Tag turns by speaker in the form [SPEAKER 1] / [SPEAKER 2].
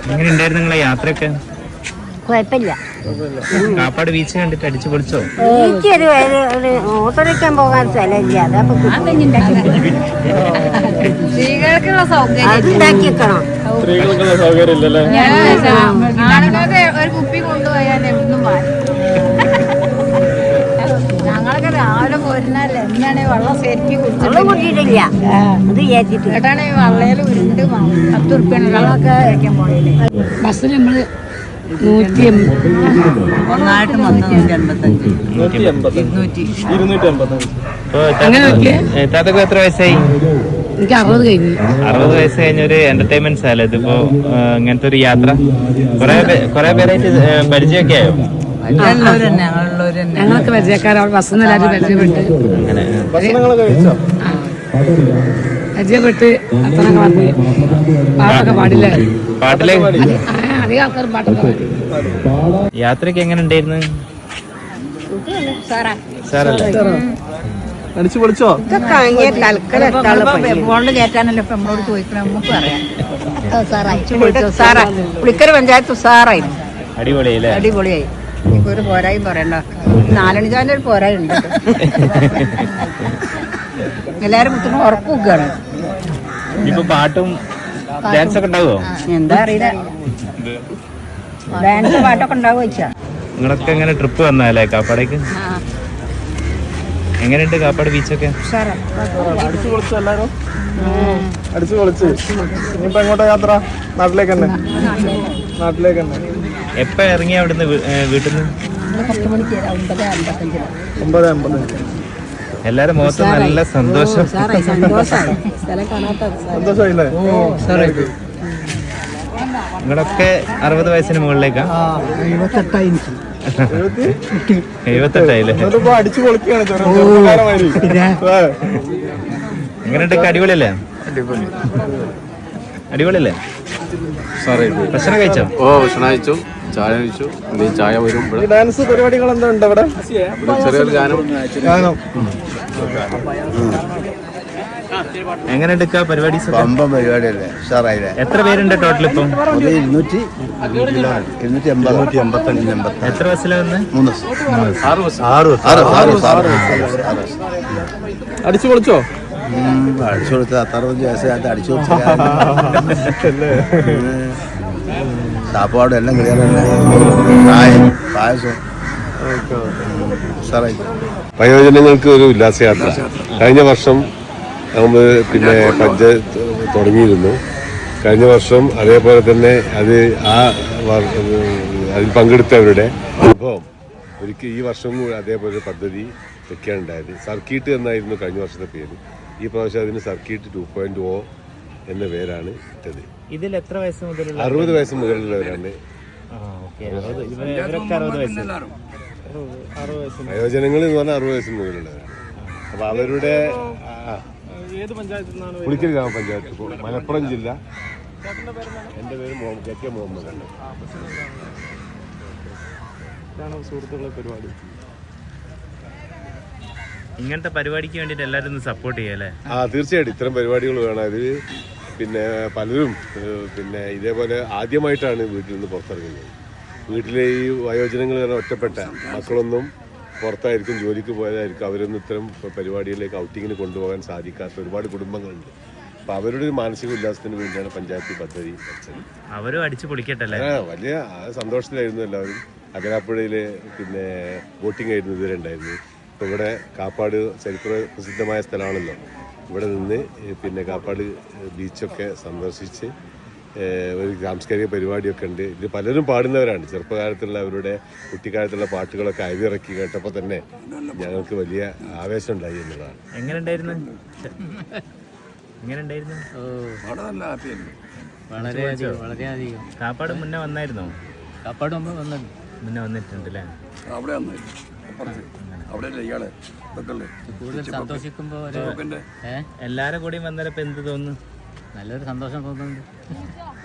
[SPEAKER 1] എങ്ങനെ ഉണ്ടായിരുന്നു നിങ്ങളെ യാത്രയൊക്കെ?
[SPEAKER 2] കുഴപ്പമില്ല.
[SPEAKER 1] കാപ്പാട് ബീച്ച് കണ്ടിട്ട് അടിച്ചു പൊളിച്ചോ?
[SPEAKER 2] ബീച്ചൊരു ഓട്ടോറിക്കാൻ പോകാൻ സ്ഥലമില്ല. അതപ്പോ
[SPEAKER 3] സ്ത്രീകൾക്കുള്ള സൗകര്യം
[SPEAKER 2] ഉണ്ടാക്കി വെക്കണം.
[SPEAKER 4] സ്ത്രീകൾക്കുള്ള സൗകര്യം ഇല്ലല്ലേ?
[SPEAKER 3] ആണുങ്ങൾക്ക് ഒരു കുപ്പി കൊണ്ടുപോയാൽ എവിടുന്നും മാറി. ഞങ്ങളൊക്കെ രാവിലെ പോരുന്നല്ലേ എന്താണ് വെള്ളം ശരിക്കും
[SPEAKER 2] വെള്ളം കൂട്ടിയിട്ടില്ല. അത് വിചാരിച്ചിട്ട്
[SPEAKER 3] കേട്ടാണ് ഈ വള്ളയിൽ ഉരുണ്ട് 10 ഉറുപ്പ്യാണ് വെള്ളമൊക്കെ കഴിക്കാൻ പോയില്ലേ.
[SPEAKER 5] ബസ്സിൽ നമ്മള് 180
[SPEAKER 6] ഒന്നായിട്ട് 285
[SPEAKER 1] താത്തക്ക് എത്ര വയസ്സായി?
[SPEAKER 5] എനിക്ക് 60 കഴിഞ്ഞു.
[SPEAKER 1] 60 വയസ്സ് കഴിഞ്ഞൊരു എന്റർടൈൻമെന്റ്സ് ആയാലും ഇതിപ്പോ ഇങ്ങനത്തെ ഒരു യാത്ര കൊറേ പേരായിട്ട് പരിചയമൊക്കെ ആയോ?
[SPEAKER 5] ഞങ്ങളൊക്കെ പരിചയക്കാരാണ്. ബസ്സിൽ നിന്ന് എല്ലാവരും പരിചയപ്പെട്ട് അത്തനൊക്കെ പറഞ്ഞ് പാട്ടൊക്കെ പാടില്ല.
[SPEAKER 1] പാട്ടിലേക്ക്
[SPEAKER 5] അധികം ആൾക്കാർ പാട്ടൊക്കെ പാടി.
[SPEAKER 1] യാത്രക്ക് എങ്ങനെ ഉണ്ടായിരുന്നു? സാറല്ലേ?
[SPEAKER 4] അടിച്ചു പൊളിച്ചോ?
[SPEAKER 3] ഫോണിൽ കയറ്റാനല്ലോ ഇപ്പൊ നമ്മളോട് ചോദിക്കണം. നമുക്ക് പറയാം സാറാ പുളിക്കര പഞ്ചായത്ത് സാറായി
[SPEAKER 1] അടിപൊളിയല്ലേ?
[SPEAKER 3] അടിപൊളിയായി. ഇപ്പൊ ഒരു പോരായും പറയണ്ട. 4 മണിക്കാരൻ്റെ ഒരു പോരായും ഉണ്ട്. എല്ലാരും കുത്തുന്ന ഉറപ്പ് വെക്കുകയാണ്.
[SPEAKER 1] ഇപ്പൊ പാട്ടും ഡാൻസ് ഒക്കെ ഉണ്ടാവോ?
[SPEAKER 3] എന്താ അറിയില്ല. ഡാൻസ് പാട്ടൊക്കെ ഉണ്ടാവുക വെച്ചാ.
[SPEAKER 1] നിങ്ങളൊക്കെ എങ്ങനെ ട്രിപ്പ് വന്നാലേ കാപ്പാടേക്ക്? എങ്ങനെയുണ്ട് കാപ്പാട് ബീച്ചൊക്കെ?
[SPEAKER 4] അടിച്ചു പൊളിച്ചു എല്ലാരും? അടിച്ചു പൊളിച്ച് ഇനിയിപ്പോ എങ്ങോട്ടാ യാത്ര? നാട്ടിലേക്ക് തന്നെ. നാട്ടിലേക്ക് തന്നെ.
[SPEAKER 1] എപ്പ ഇറങ്ങിയ അവിടുന്ന് വീട്ടിൽ നിന്ന്?
[SPEAKER 4] 9:55.
[SPEAKER 1] എല്ലാരും മുഖത്ത് നല്ല സന്തോഷം.
[SPEAKER 4] സന്തോഷമായില്ലേ?
[SPEAKER 1] നിങ്ങളൊക്കെ 60 വയസ്സിന് മുകളിലേക്കാ? 78
[SPEAKER 4] അടിച്ചു പൊളിക്കുകയാണ് ചെറുപ്പക്കാരന്മാര്.
[SPEAKER 1] എങ്ങനെയുണ്ട്? അടിപൊളിയല്ലേ? അടിപൊളിയല്ലേ? ഭക്ഷണം കഴിച്ചോ?
[SPEAKER 7] ഓ ഭക്ഷണം കഴിച്ചു, ചായ കഴിച്ചു. ചായ വരും.
[SPEAKER 4] ഡാൻസ് പരിപാടികൾ എന്താ ഉണ്ട് അവിടെ?
[SPEAKER 7] ചെറിയൊരു ഗാനം.
[SPEAKER 1] എങ്ങനെയുണ്ട് പരിപാടി?
[SPEAKER 8] പരിപാടിയല്ലേ? ഉഷാറായില്ലേ?
[SPEAKER 1] എത്ര പേരുണ്ട് ടോട്ടൽ ഇപ്പം?
[SPEAKER 8] 285.
[SPEAKER 1] എത്ര ബസ്സിലാ വന്ന്?
[SPEAKER 8] 3.
[SPEAKER 4] അടിച്ചു പൊളിച്ചോ?
[SPEAKER 8] അടിച്ചു കൊടുത്ത 60 വയസ്സായിട്ട് അടിച്ചു കൊടുത്ത സാപ്പാടും എല്ലാം ക്ലിയർ തന്നെ. പായസം ഉഷാറായി.
[SPEAKER 7] വയോജനങ്ങൾക്ക് ഒരു ഉല്ലാസയാത്ര കഴിഞ്ഞ വർഷം നമ്മൾ പിന്നെ പഞ്ചായത്ത് തുടങ്ങിയിരുന്നു. കഴിഞ്ഞ വർഷം അതേപോലെ തന്നെ അതിൽ പങ്കെടുത്തവരുടെ അനുഭവം ഒരിക്കൽ ഈ വർഷം അതേപോലെ പദ്ധതി വെക്കാനുണ്ടായത്. സർക്കിട്ട് എന്നായിരുന്നു കഴിഞ്ഞ വർഷത്തെ പേര്. ഈ പ്രാവശ്യം അതിന് സർക്കിട്ട് 2.0 എന്ന പേരാണ് ഇട്ടത്.
[SPEAKER 1] ഇതിൽ എത്ര വയസ്സ് മുതലുള്ള?
[SPEAKER 7] 60 വയസ്സ് മുതലുള്ളവരാണ്. വയോജനങ്ങൾ എന്ന് പറഞ്ഞാൽ 60 വയസ്സ് മുതലുള്ളവരാണ്. അപ്പൊ അവരുടെ പുളിക്കൽ ഗ്രാമപഞ്ചായത്ത്, മലപ്പുറം ജില്ല. എൻ്റെ പേര് KK മുഹമ്മദ് ആണ്.
[SPEAKER 4] സുഹൃത്തുക്കളെ പരിപാടി
[SPEAKER 1] ഇങ്ങനത്തെ പരിപാടിക്ക് വേണ്ടിട്ട് എല്ലാവരും ഒന്ന് സപ്പോർട്ട് ചെയ്യല്ലേ?
[SPEAKER 7] തീർച്ചയായിട്ടും ഇത്തരം പരിപാടികൾ വേണം. അതിൽ പിന്നെ പലരും പിന്നെ ഇതേപോലെ ആദ്യമായിട്ടാണ് വീട്ടിൽ നിന്ന് പുറത്തിറങ്ങുന്നത്. വീട്ടിലെ ഈ വയോജനങ്ങൾ തന്നെ ഒറ്റപ്പെട്ട മക്കളൊന്നും പുറത്തായിരിക്കും, ജോലിക്ക് പോയതായിരിക്കും. അവരൊന്നും ഇത്തരം പരിപാടികളിലേക്ക് ഔട്ടിങ്ങിന് കൊണ്ടുപോകാൻ സാധിക്കാത്ത ഒരുപാട് കുടുംബങ്ങളുണ്ട്. അപ്പം അവരുടെ ഒരു മാനസിക ഉല്ലാസത്തിന് വേണ്ടിയാണ് പഞ്ചായത്ത് പദ്ധതി വെച്ചത്.
[SPEAKER 1] അവരും അടിച്ചു പൊളിക്കട്ടല്ലേ?
[SPEAKER 7] വലിയ സന്തോഷത്തിലായിരുന്നു എല്ലാവരും. അകലാപ്പുഴയിൽ പിന്നെ ബോട്ടിംഗ് ആയിരുന്നു ഇതുവരെ ഉണ്ടായിരുന്നു. ഇപ്പോൾ ഇവിടെ കാപ്പാട് ചരിത്ര പ്രസിദ്ധമായ സ്ഥലമാണല്ലോ. ഇവിടെ നിന്ന് പിന്നെ കാപ്പാട് ബീച്ചൊക്കെ സന്ദർശിച്ച് ഒരു സാംസ്കാരിക പരിപാടിയൊക്കെ ഉണ്ട്. ഇത് പലരും പാടുന്നവരാണ്. ചെറുപ്പകാലത്തുള്ള അവരുടെ കുട്ടിക്കാലത്തുള്ള പാട്ടുകളൊക്കെ അയവിറക്കി കേട്ടപ്പോൾ തന്നെ ഞങ്ങൾക്ക് വലിയ ആവേശം ഉണ്ടായി എന്നുള്ളതാണ്.
[SPEAKER 1] എങ്ങനെയുണ്ടായിരുന്നു?
[SPEAKER 6] വളരെയധികം.
[SPEAKER 1] കാപ്പാട് മുന്നേ വന്നായിരുന്നോ?
[SPEAKER 6] കാപ്പാട്
[SPEAKER 1] മുന്നേ വന്നിട്ടുണ്ടല്ലേ?
[SPEAKER 6] കൂടുതൽ സന്തോഷിക്കുമ്പോ
[SPEAKER 1] എല്ലാരും കൂടി വന്നപ്പോ എന്ത് തോന്നുന്നു?
[SPEAKER 6] നല്ലൊരു സന്തോഷം തോന്നുന്നുണ്ട്.